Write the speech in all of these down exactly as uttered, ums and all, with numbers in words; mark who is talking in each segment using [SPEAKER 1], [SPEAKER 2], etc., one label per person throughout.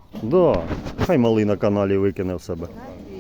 [SPEAKER 1] Да. Хай малий на каналі викине в себе.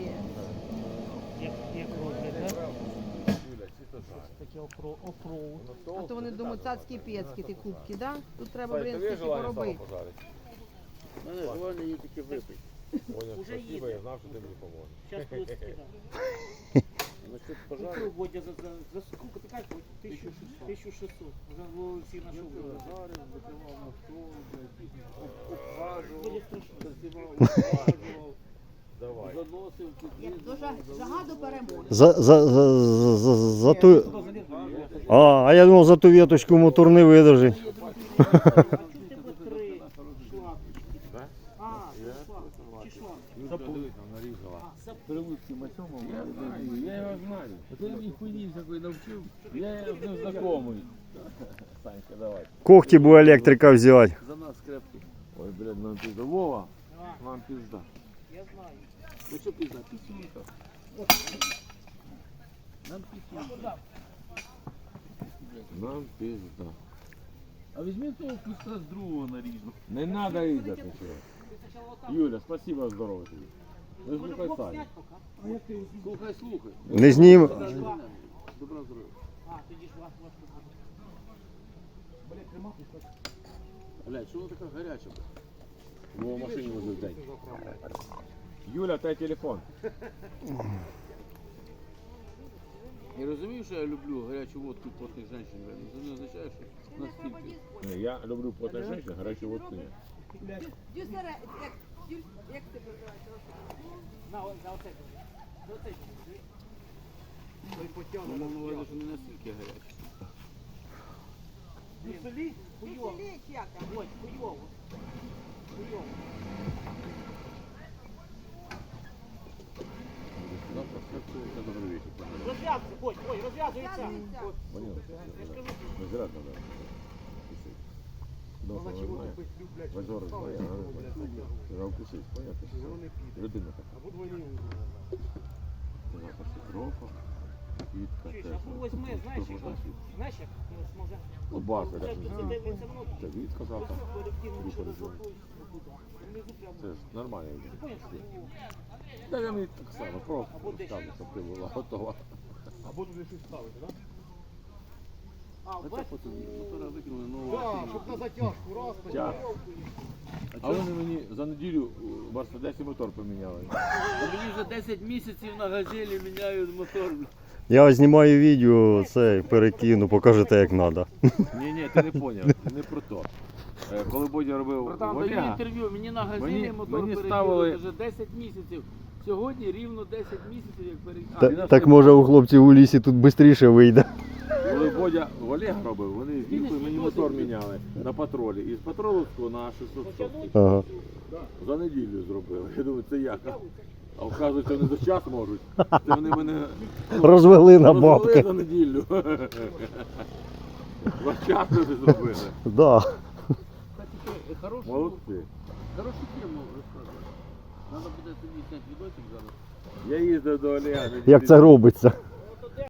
[SPEAKER 2] А то вони думають, цацькі пецькі, ти кубки, да? Тут треба, блін, скільки поробити.
[SPEAKER 3] У мене желання її тільки випити.
[SPEAKER 4] Понял, спасибо, я знав, що ти мені поможеш.
[SPEAKER 5] Сейчас будет скидка.
[SPEAKER 3] Насчет
[SPEAKER 5] Ну,
[SPEAKER 3] пожару.
[SPEAKER 5] Водя, за, за, за сколько ты как? тысяча шестьсот. Уже вы все нашли.
[SPEAKER 3] Жарив, закривав мотор, обхажував,
[SPEAKER 5] Буде страшно.
[SPEAKER 3] танцював, обхажував,
[SPEAKER 4] Давай.
[SPEAKER 3] заносив,
[SPEAKER 2] Як до жа- жага до перемоги.
[SPEAKER 1] За, за, за, за, за, за ту... А, а я думав, за ту віточку мотор не видержить.
[SPEAKER 5] А чого в тебе три шланги? А, це шланг. Чи шланг?
[SPEAKER 4] Дивись, там нарізала.
[SPEAKER 3] Прививки Масьомов. Я його знаю. Ти мені хуйні такої навчив. Я з ним знайомий. Санька, давай.
[SPEAKER 1] Когті бо електрика взяти.
[SPEAKER 3] За нас крепкий. Ой, блядь, нам пизда. Вова, нам пизда.
[SPEAKER 5] Я знаю.
[SPEAKER 3] Ну що пизда? Писюнка. Нам писюнка. Нам пизда. А візьми того куска з другого наріжу. Не надо їздити нічого. Юля, спасибо, здорово тобі. Не слухай Саню. Слухай, слухай.
[SPEAKER 1] Не знім.
[SPEAKER 3] Добра здоров'я.
[SPEAKER 5] А, тоді ж вас вас.
[SPEAKER 3] Блядь, що вона така гаряча? Його в машині возив день. Юля, дай телефон. Я розумію, що я люблю гарячу водку потних жінок. Це не означає, що настільки. Ні, я люблю потних жінок, гарячу водку ні.
[SPEAKER 2] Дюсера, як, дю- як ти називаєш?
[SPEAKER 5] На, о- за оце. За оце. Той потягне.
[SPEAKER 3] Ну, мав на увазі, що не настільки гаряча.
[SPEAKER 5] Ну, селі? Хуйово.
[SPEAKER 2] Веселіч як там?
[SPEAKER 5] Ой, хуйово. Хуйово.
[SPEAKER 3] Завтра все це добрий вечір.
[SPEAKER 5] Розв'язуйся, ой, ой, розв'язується.
[SPEAKER 2] Зв'язується.
[SPEAKER 5] От,
[SPEAKER 3] Понял?
[SPEAKER 5] я ж кажу,
[SPEAKER 3] Не зря надо. Дома знає. Базор знає. Треба вкусити, понятно. Людина така. Завтра Петровка. Квітка
[SPEAKER 5] чуєш,
[SPEAKER 3] теж.
[SPEAKER 5] а возьми, знаєш, як, от, знаєш, як, ну, може,
[SPEAKER 3] Лобака,
[SPEAKER 5] це,
[SPEAKER 3] як
[SPEAKER 5] це, це, це, це воно
[SPEAKER 3] Це Вітка завтра.
[SPEAKER 5] колективно,
[SPEAKER 3] Група
[SPEAKER 5] що
[SPEAKER 3] режиму.
[SPEAKER 5] внизу прямо.
[SPEAKER 3] Це ж нормально.
[SPEAKER 5] Ти поняв, що ну,
[SPEAKER 3] Та я мені так само, просто
[SPEAKER 5] Або десь.
[SPEAKER 3] ставлю, щоб ти була готова.
[SPEAKER 4] Або туди щось ставити, так?
[SPEAKER 5] а,
[SPEAKER 3] А це
[SPEAKER 5] бачиш,
[SPEAKER 3] потім мотора викинули нового.
[SPEAKER 4] Так, щоб на затяжку, раз,
[SPEAKER 3] Тяг. А вони мені за неділю в Мерседесі мотор поміняли.
[SPEAKER 6] Мені вже десять місяців на газелі міняють мотор.
[SPEAKER 1] Я знімаю відео, це перекину, покажете як треба.
[SPEAKER 3] Ні, ні, ти не зрозумів, не про то. Е, Коли Бодя робив
[SPEAKER 6] Братан, даю
[SPEAKER 3] Олега,
[SPEAKER 6] інтерв'ю, мені на газелі
[SPEAKER 3] Мені-
[SPEAKER 6] мотор
[SPEAKER 3] мені
[SPEAKER 6] перекинули
[SPEAKER 3] ставили-
[SPEAKER 6] вже десять місяців. Сьогодні рівно десять місяців, як перекинули.
[SPEAKER 1] Та- Так може у хлопців у лісі тут швидше вийде.
[SPEAKER 3] коли Бодя в Олега робив, вони з Дімкою мені мотор міняли на патролі. І з патроловського на шістсот сорок.
[SPEAKER 1] Ага.
[SPEAKER 3] За неділю зробили. Я думаю, це як? А вказується, вони за час можуть. Це вони мене
[SPEAKER 1] Розвели на
[SPEAKER 3] розвели
[SPEAKER 1] бабки.
[SPEAKER 3] за неділю. За час вони зробили.
[SPEAKER 1] Да.
[SPEAKER 6] Кстати, ти хорошу,
[SPEAKER 3] Молодці.
[SPEAKER 6] хорошу тему розказуєш. Треба буде тобі зняти відосик зараз.
[SPEAKER 3] Я їздив до Олега. неділі
[SPEAKER 1] Як це робиться?